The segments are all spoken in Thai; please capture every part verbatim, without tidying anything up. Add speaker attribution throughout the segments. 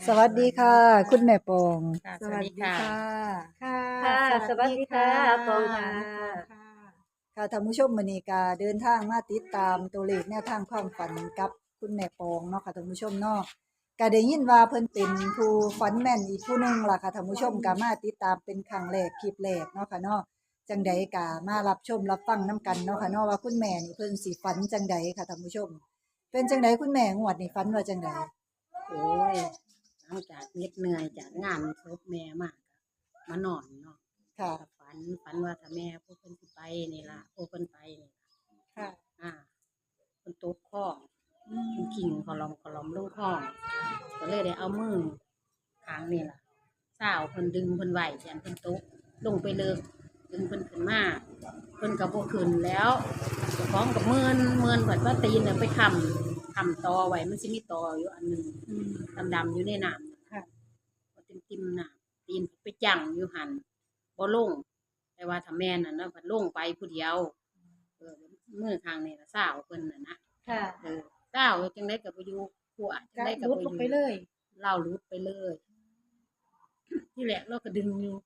Speaker 1: สวัสดีค่ะ คุณแม่ปอง
Speaker 2: ค่ะ
Speaker 3: ส
Speaker 2: สวั
Speaker 3: วั
Speaker 2: ส
Speaker 3: ส
Speaker 2: ดี
Speaker 3: ดี
Speaker 2: ค่ะ
Speaker 3: ค่ะ
Speaker 1: ค่ะ
Speaker 3: ค่ะ สวัสดีค่ะปองค่ะ
Speaker 1: แม่ปองค่ะ ค่ะท่านผู้ชมมื้อนี้ก็เดินทางมาติดตามตัวเลขแนวทางความฝันกับคุณแม่ปองเนาะค่ะท่านผู้ชมเนาะก็ได้ยินว่าเพิ่นเป็นผู้ฝันแม่นอีกผู้หนึงล่ะค่ะท่านผู้ชมก็มาติดตามเป็นครั้งแรกคลิปแรกเนาะค่ะเนาะจังใดก็มารับชมรับฟังนํกันเนาะค่ะเนาะว่าคุณแม่นี่เพิ่นสิฝันจังใดค่ะท่านผู้ชม เป็นจังใดคุณแม่งวดนี้ฝันว่าจังใด
Speaker 2: โอ้ยหลังจากเหน็ดเหนื่อยจากงานศพแม่มาก็มานอนเนาะ
Speaker 1: ค่ะ
Speaker 2: ก็ฝันฝันว่าถ้าแม่ผู้เพิ่นสิไปนี่ล่ะผู้เพิ่นไปนี่ล่ะ
Speaker 3: ค่ะ
Speaker 2: อ่าเพิ่นตกคลองเพิ่นกิ่งขอลอมขอลอมลงคลองก็เลยได้เอามือข้างนี่ล่ะสาวเพิ่นดึงเพิ่นไว้ยันเพิ่นตกลงไปเลิกดึงเพิ่นขึ้นมาเพิ่นก็บ่ขึ้นแล้วเจ้าของก็เมินเมินเพิ่นว่าตีนน่ะไปค้ำค้ำตอไว้มันสิมีตออยู่อันหนึงดำๆอยู่ในน้ำ
Speaker 3: ค่ะ
Speaker 2: บ่ติ่มๆน่ะตีนไปจั่งอยู่หั่นบ่ลงแต่ว่าถ้าแม่นน่ะเนาะเพิ่นลงไปผู้เดียวเออมือข้างนี่ล่ะสาวเพิ่นน่ะนะ
Speaker 3: ค่ะ
Speaker 2: เออสาวจังได๋ก็บ่อยู่ผัวจัง
Speaker 3: ก็
Speaker 2: ได๋ก็
Speaker 3: ลุ
Speaker 2: บ่
Speaker 3: ด
Speaker 2: อ
Speaker 3: ลง
Speaker 2: ยู่
Speaker 3: ไปเลย
Speaker 2: เราหลุดไปเลย ที่แรกเราก็ดึงอยู่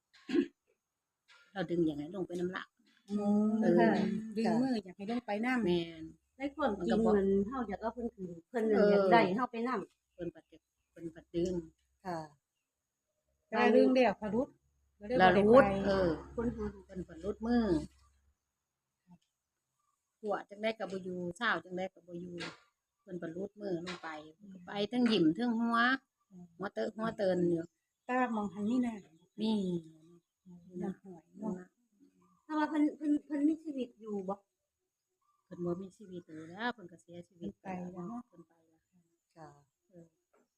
Speaker 2: เราดึงอย่างไรลงไปน้ำหลัก
Speaker 1: อืม
Speaker 2: เออ
Speaker 3: ค่ะ ดึงมืออยากให้ลงไปนำ
Speaker 2: แม่น
Speaker 4: ในความจริงมันเฮาอยากเอาเพิ่นขึ้นเพิ่นน่ะ
Speaker 2: เออ
Speaker 4: อยากได้เฮาไปนำ
Speaker 2: เพิ่นปัดจะเพิ่นปัดดึง
Speaker 1: ค่ะ
Speaker 3: ได้เรื่องแล้วพะลุด
Speaker 2: แล้วหลุดเออ
Speaker 4: คนเฮา
Speaker 2: เพิ่นเพิ่นหลุดมือผัวจังได๋ก็บ่อยู่สาวจังได๋ก็บ่อยู่เพิ่นเพิ่นหลุดมือลงไปเพิ่นก็ไปทั้งยิ้มทั้งหัวหัวเตอะหัวเตินอยู่
Speaker 3: ตามองหันนี่น่ะ
Speaker 2: มี
Speaker 3: น้ำหวยเนาะ
Speaker 4: ถ้าว่าเพิ่นเพิ่นเพิ่นมีชีวิตอยู่บ่
Speaker 2: เพิ่นบ่มีชีวิตเลยแล้วเพิ่นก็เสียชีวิตไปแล้วเนาะเพิ่นไปแล้ว
Speaker 1: ค่ะ
Speaker 2: เออ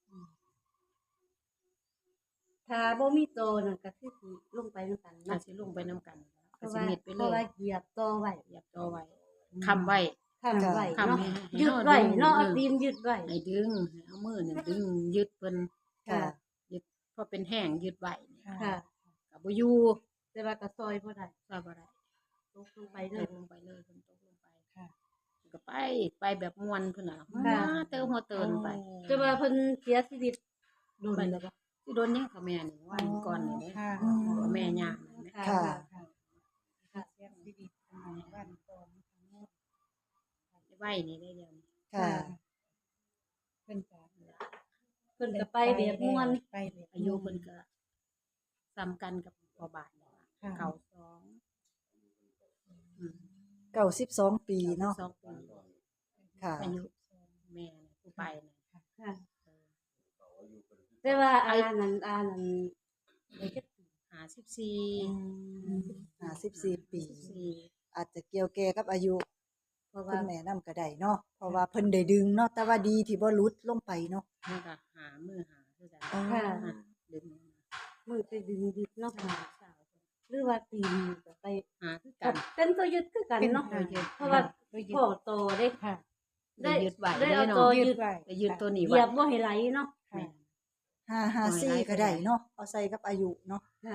Speaker 4: ถ้าบ่มีโตนั่นก็คือสิลงไปนำกัน
Speaker 2: อาจ
Speaker 4: เนาะ
Speaker 2: สิลงไปนํกัน
Speaker 4: เพ
Speaker 2: ก็
Speaker 4: ราะ
Speaker 2: สิ
Speaker 4: ว่า
Speaker 2: เม็ดไป
Speaker 4: เพ
Speaker 2: เล
Speaker 4: ราะว่าย เหยียบโตไว้
Speaker 2: เหยียบต่อไว้ค้ำไว้
Speaker 4: ค้ำไว้
Speaker 2: ค้ำ
Speaker 4: เนาะ
Speaker 2: ให้ให้
Speaker 4: ยึด
Speaker 2: เฮา
Speaker 4: ไว้
Speaker 2: ดึง
Speaker 4: เนาะ
Speaker 2: เอ
Speaker 4: เอา
Speaker 2: อ
Speaker 4: ตีนยึดไว้
Speaker 2: ให้ดึงให้เอามือเนี่ยดึงยึดเพิ่น
Speaker 1: ค่ะ
Speaker 2: ยึดพอเป็นแห้งยึดไว้เนี่ย
Speaker 4: ค่ะ
Speaker 2: ก็บ่อยู่
Speaker 4: แต่ว่าก็ซอยบ่ได้
Speaker 2: ซอยบ่ได้
Speaker 4: ตกลงไป
Speaker 2: ต
Speaker 4: เลย
Speaker 2: กลงไปเลยเพิ่นตกลงไป
Speaker 3: ค่ะ
Speaker 2: ก็ไปไปแบบม่วนพุ่นน่ะ
Speaker 4: ค่ะ
Speaker 2: หัวเติมหัวเตินไป
Speaker 4: แต่ว่าเพิ่นเสียชีวิตโดน
Speaker 2: ไป
Speaker 4: แล้วบ่
Speaker 2: สิโดนหยังกับแม่นี่วันก่อนนี่เด้
Speaker 3: ค่ะ
Speaker 1: อืม
Speaker 2: กับแม่ย่างนั่นแหละ
Speaker 4: ค่ะ
Speaker 1: ค่ะ
Speaker 3: ค่ะค่ะเสียชีวิตประมาณวันก่อนเนาะ
Speaker 2: ไว้นี่ได้เดียวนี้
Speaker 1: ค่ะ
Speaker 3: เพิ่นก็
Speaker 4: เพิ่นก็ไปแบบม่วน
Speaker 3: ไปแบบ
Speaker 2: อายุเพิ่นก็ซ้ำกันกับพ่อบาทนี่ล่ะ
Speaker 3: ค่ะ
Speaker 2: เก่าสองอืม
Speaker 1: เก้าสิบสองปีเนาะ
Speaker 2: สองปี
Speaker 1: ค่ะ
Speaker 2: อายุแม่น่ะผู้ไปน่ะ
Speaker 4: ค่ะ
Speaker 2: เออ
Speaker 4: แต่ว่าอานั้นอานั้นได้จักปี
Speaker 2: ห้าสิบสี่
Speaker 1: ห้าสิบสี่ปี
Speaker 2: สี่
Speaker 1: อาจจะเกี่ยวแก่กับอายุ
Speaker 4: เพราะ
Speaker 1: คุ
Speaker 4: ว่า
Speaker 1: ณแม่นำก็ได้เนาะ เพราะว่าเพิ่นได้ดึงเนาะ แต่ว่าดีที่บ่หลุดลงไปเนาะ
Speaker 2: มันก็หามือหาคือกัน
Speaker 1: อ๋อ
Speaker 4: ค่ะ
Speaker 2: อ่ะดึง
Speaker 4: มือไปดึงยึดเนาะ
Speaker 2: สาวสาว
Speaker 4: หรือว่าตีนก็ไป
Speaker 2: หาคือกัน
Speaker 4: เป็นตัวยึดคือกันเนาะ
Speaker 3: เป็นตัวยึด
Speaker 4: เพราะว่า
Speaker 3: ตัวยึด
Speaker 4: พ่อโตได้
Speaker 3: ค่ะ
Speaker 2: ได้ยึดไว้
Speaker 4: ได้เอา
Speaker 2: เนาะ
Speaker 4: ตัว
Speaker 3: ยึ
Speaker 4: ยึ
Speaker 3: ด
Speaker 4: ด
Speaker 3: ไว้
Speaker 2: ไปยึดตัวนี้
Speaker 4: เห
Speaker 2: ไว้
Speaker 4: ยียบบ่ให้ไหลเนาะ
Speaker 2: แม่
Speaker 1: ห้าห้าสี่ก็ได้เนาะ เอาใส่กับอายุเนาะ
Speaker 4: ค่ะ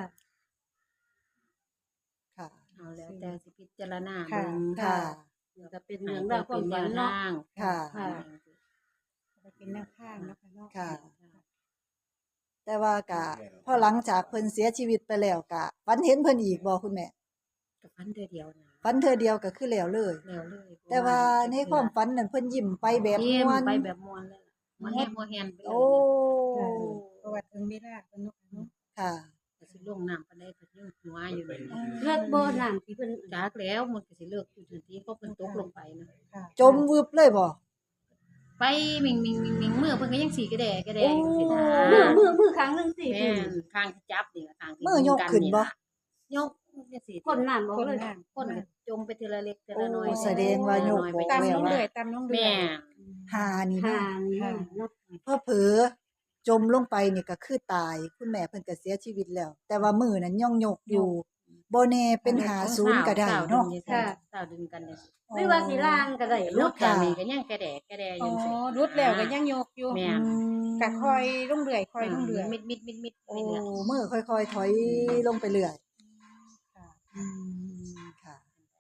Speaker 1: ค่ะ
Speaker 2: เอาแล้วแต่สิพิจารณา
Speaker 3: ค่ะ
Speaker 2: เบิ่ง
Speaker 1: ค่ะ
Speaker 4: นี่ก็เป็น
Speaker 2: ให้
Speaker 4: เรื่อง
Speaker 2: เพิ่
Speaker 4: ราน วควา
Speaker 2: เป็
Speaker 4: ม
Speaker 2: นแน
Speaker 4: ฝัน
Speaker 2: ว
Speaker 4: เนาะ
Speaker 2: ทาง
Speaker 1: ค่ะ
Speaker 4: ค่ะ
Speaker 3: ไปเป็นแนวข้างเนาะค่ะเนาะ
Speaker 1: ค่ะ แต่ว่าก็พอหลังจากเพิ่นเสียชีวิตไปแล้วก็ฝันเห็นเพิ่นอีกบ่คุณแม่
Speaker 2: กับพันเทื่อเดียวนะ
Speaker 1: ฝันเทื่อเดียวก็คือแล้วเลย
Speaker 2: แล้วเลย
Speaker 1: แต่ว่าในความฝันนั้นเพิ่นยิ้มไปแบบ
Speaker 2: ยิ้ม
Speaker 1: ม่วน
Speaker 2: ไปแบบม่วนเลยล่ะม่วนแฮงม่วนแฮนไปเลย
Speaker 1: โอ้
Speaker 3: ค่ะเพราะว่าถึงเวลาเพิ่นเนาะค่ะเนาะ
Speaker 1: ค่ะ
Speaker 2: ก็สิลงน้ำปานใดก็ยังหัวอยู่นี่
Speaker 4: เลือกบ่น้ำที่เพิ่น
Speaker 2: จากแล้วมันก็สิเลิกอยู่ทันทีเพราะเพิ่นตกลงไปนะ
Speaker 3: ค่ะ
Speaker 1: จมวึบเลยบ่
Speaker 2: ไปมิงมิงมิงมิงมือเพิ่นก็ยังสีกระแดกระแดอยู่สินะ
Speaker 4: มือมือมือครั้งหนึงสิ
Speaker 2: แม่นข้างที่จับนี่ล่ะข้างที่
Speaker 1: มือยกขึ้นบ่
Speaker 2: ยกจังซี่
Speaker 4: คนน้ำบ่
Speaker 3: คน
Speaker 4: เลย
Speaker 3: น้ำ
Speaker 2: คนก็จมไปทีละเล็กทีละน้อย
Speaker 1: โอ้แสดงว่ายก
Speaker 2: น้อย
Speaker 1: บ่
Speaker 2: ไป
Speaker 3: ตาม
Speaker 1: แล้
Speaker 3: น้
Speaker 1: ว
Speaker 3: อง
Speaker 1: ว่า
Speaker 3: เดือยตามน้องเดือ
Speaker 2: แม่
Speaker 3: ย
Speaker 1: หานี่
Speaker 4: หา
Speaker 1: เนาะ
Speaker 4: นี่เนาะ
Speaker 1: เพอเผลอจมลงไปนี่ก็คือตาย คุณแม่เพิ่นก็เสียชีวิตแล้ว แต่ว่ามือนั้นย่องยกอยู่บ่แน่เป็นหาศูนย์ก็ได้เนาะ
Speaker 2: ค่ะสาวดึงกันจังซี่
Speaker 4: หรือว่าสิล่างก็ได้
Speaker 2: ลู
Speaker 4: เนาะ
Speaker 2: กจากนี้ก็ยังกระแดกกระแดอ
Speaker 3: อ๋อยู่
Speaker 2: จังซี่
Speaker 3: รุดแล้วก็ยังยกอยู่
Speaker 2: แม่น
Speaker 3: ก็คอยลงเดือยคอยลงเดือย
Speaker 2: มิดมิดมิดมิด
Speaker 1: โอ้
Speaker 2: ไปเรื่อย
Speaker 1: มือค่อยๆถอยลงไปเรื่อย
Speaker 3: ค่ะ
Speaker 1: อืมค่ะ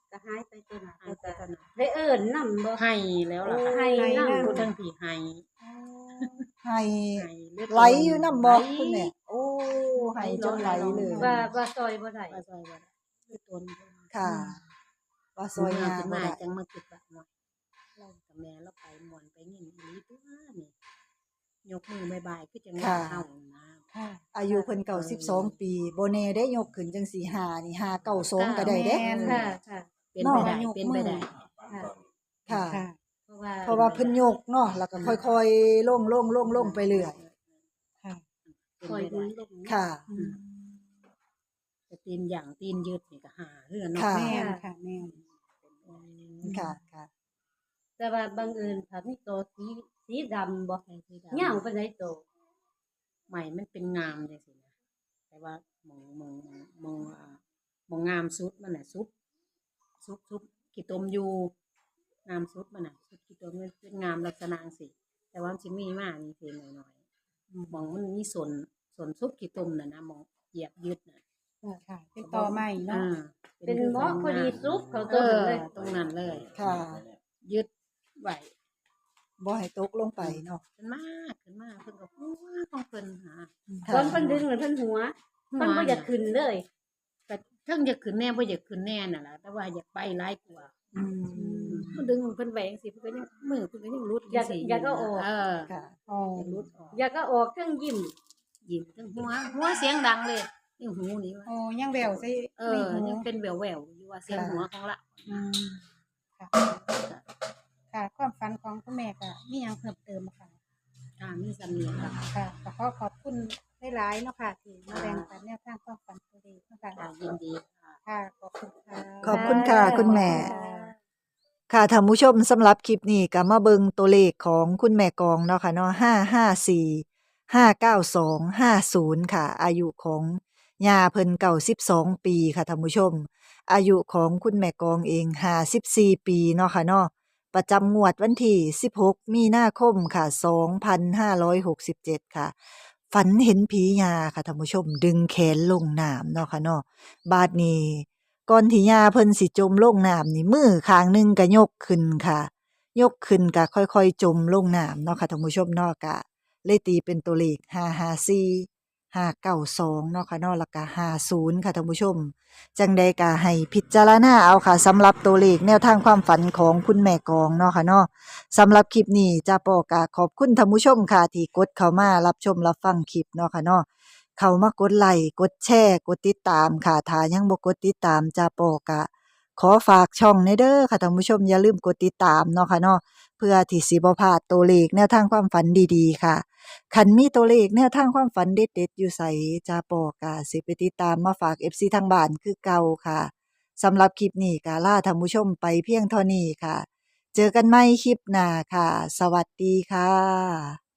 Speaker 4: ก็หายไปตัวน่ะ
Speaker 2: หายไปตอนนั้น
Speaker 4: ได้เอิ้นนำบ่
Speaker 2: ให้แล้วล่ะค่ะ
Speaker 4: ให้นำ
Speaker 2: ผู้ทั้งที่ให้
Speaker 1: ให้
Speaker 2: ให้เลือด
Speaker 1: ไหลอยู่นำบ่
Speaker 2: ไหล
Speaker 1: คุณแม่โอ้ให้จนไหลเลย
Speaker 4: ว่าว่าซอยบ่ได้
Speaker 2: ว่าซอยบ่ได้คือตน
Speaker 1: ค่ะ ว่าซ
Speaker 2: ซ
Speaker 1: อ
Speaker 2: อย ย
Speaker 1: งาง
Speaker 2: าน
Speaker 1: บ่
Speaker 2: มา
Speaker 1: ได้
Speaker 2: จังมาคิดว่าเนาะเรากับแม่เราไปม่วนไปเงินอีหลีตัวนี่ยกมือบ๊ายบายคือจังว่าเฮานะ
Speaker 3: ค่ะ
Speaker 1: อายุเพิ่นเก้าสิบสองปีบ่แน่ได้ยกขึ้นจังสี่ห้านี่ห้าเก้าสองก็ได้เด้
Speaker 3: แม่น
Speaker 4: ค่ะค่ะ
Speaker 2: เป็นไปได้
Speaker 3: เนาะ
Speaker 2: เป็นไปได้
Speaker 4: ค่ะ
Speaker 1: ค่ะ
Speaker 3: ค่ะ
Speaker 4: เพราะว่า
Speaker 1: เพราะว่าเพิ่นยกเนาะแล้วก็ค่อยๆลงลงลงลงไปเรื่อย
Speaker 3: ค่ะ
Speaker 2: เป็น
Speaker 4: คอย
Speaker 2: ไป
Speaker 4: ดู
Speaker 2: ได้
Speaker 4: ลง
Speaker 1: ค่ะ
Speaker 3: อืม
Speaker 2: แต่ตีนอย่างตีนยืดนี่ก็หาเรื่องเนาะ
Speaker 1: ค่ะ
Speaker 3: แม่นค่ะแม่น
Speaker 1: ค่ะค่ะ
Speaker 4: แต่ว่าบังเอิญถ้ามีตัวสีสีดำบ่
Speaker 2: ใช่ที่ด
Speaker 4: ยาวปานใดโต
Speaker 2: ใหม่มันเป็นงามจังซี่นะแต่ว่ามองมองมองอ่ามองงามสุดมันน่ะสุดสุดสุดขี้ตมอยู่งามสุดมันน่ะสุดขี้ตมมันเป็นงามลักษณะจังซี่แต่ว่ามันสิมีมานี่เพียงน้อยๆมองมันมีส่วนส่วนซุปขี้ตมน่ะนะมองเหยียบยึดน่ะ
Speaker 3: ค่ะ เป็นต่อใหม่เนาะ
Speaker 2: อ่า
Speaker 4: เป็นเหมาะพอดีซุปเขา
Speaker 2: เอ
Speaker 4: ต้น
Speaker 2: อ
Speaker 4: เลย
Speaker 2: ตรงนั้นเลย
Speaker 1: ค่ะ
Speaker 2: ยึดไว้
Speaker 1: บ่ให้ตกลงไปเนาะ
Speaker 2: ขึ้นมากขึ้นมากเพิ่นก็หัวของเพิ่นหา
Speaker 4: ตอนเพิ่นดึงเหมือนเพิ่นหัวเพิ่นบ่อยากขึ้นเลย
Speaker 2: ก็เทิงอยากขึ้นแน่บ่อยากขึ้นแน่น่ะล่ะแต่ว่าอยากไปหลายกว่า
Speaker 1: อืม
Speaker 2: เพิ่นดึงเพิ่นแหวงสิเพิ่นก็ยังมือเพิ่นก็ยังรุด
Speaker 4: อยาก
Speaker 2: สิ
Speaker 4: อยากเอาออก
Speaker 2: เออ
Speaker 1: ค่ะ
Speaker 3: อ๋อ
Speaker 2: อยากรุดออก
Speaker 4: อยากก็ออกเครื่องยิ้ม
Speaker 2: ยิ้มทั้งหัวหัวเสียงดังเลยนี่หูนี่ว่า
Speaker 3: โอ้ยังแววใส่
Speaker 2: เอ
Speaker 3: ใน
Speaker 2: อ
Speaker 3: หู
Speaker 2: ยังเป็นแหววๆอยู่ว่าเสียงหัวของละ
Speaker 3: อืมค่ะ ค่ะ ความฝันของคุณแม่ก็มีหยังเพิ่มเติมบ่ค่ะ
Speaker 2: อ่ามีสำเนียงค่ะ
Speaker 3: ค่ะก็ขอขอบคุณหลายๆเนาะค่ะที่มาแบ่งปันแนวทางความฝันตัวเองเนาะค่ะ
Speaker 2: ค่ะยินดีค่ะ
Speaker 3: ค่ะ ขอบคุณค่ะ
Speaker 1: ขอบคุณค่ะคุณแม่
Speaker 4: ค่ะ
Speaker 1: ค่ะท่านผู้ชมสำหรับคลิปนี้ก็มาเบิงตัวเลขของคุณแม่กองเนาะค่ะเนาะห้า ห้า สี่ ห้า เก้า สอง ห้า ศูนย์ค่ะ อายุของย่าเพิ่นเก้าสิบสองปีค่ะท่านผู้ชม อายุของคุณแม่กองเองห้าสิบสี่ปีเนาะค่ะเนาะประจำงวดวันที่สิบหกมีนาคมค่ะสองพันห้าร้อยหกสิบเจ็ดค่ะ ฝันเห็นผียาค่ะท่านผู้ชม ดึงแขนลงน้ำเนาะค่ะเนาะบาดนี้ก่อนที่ยาเพิ่นสิจมลงน้ำนี่มือข้างหนึงก็ยกขึ้นค่ะ ยกขึ้นก็ค่อยๆจมลงน้ำเนาะค่ะท่านผู้ชมเนาะก็เลยตีเป็นตัวเลขห้า ห้า สี่ ห้า เก้า สองเนาะค่ะเนาะแล้วก็ห้า ศูนย์ค่ะท่านผู้ชม จังใดก็ให้พิจารณาเอาค่ะสำหรับตัวเลขแนวทางความฝันของคุณแม่กองเนาะค่ะเนาะสำหรับคลิปนี้จ้าปอกะขอบคุณท่านผู้ชมค่ะที่กดเข้ามารับชมรับฟังคลิปเนาะค่ะเนาะเข้ามากดไลค์กดแชร์กดติดตามค่ะถ้ายังบ่กดติดตามจ้าปอกะขอฝากช่องในเด้อค่ะท่านผู้ชมอย่าลืมกดติดตามเนาะค่ะเนาะเพื่อที่สิบ่พลาดตัวเลขแนวทางความฝันดีๆค่ะคันมีตัวเลขแนวทางความฝันเด็ดๆอยู่ไสจ้าปอกะสิไปติดตามมาฝาก เอฟ ซี ทางบ้านคือเก่าค่ะสำหรับคลิปนี้ก็ลาท่านผู้ชมไปเพียงเท่านี้ค่ะ เจอกันใหม่คลิปหน้าค่ะ สวัสดีค่ะ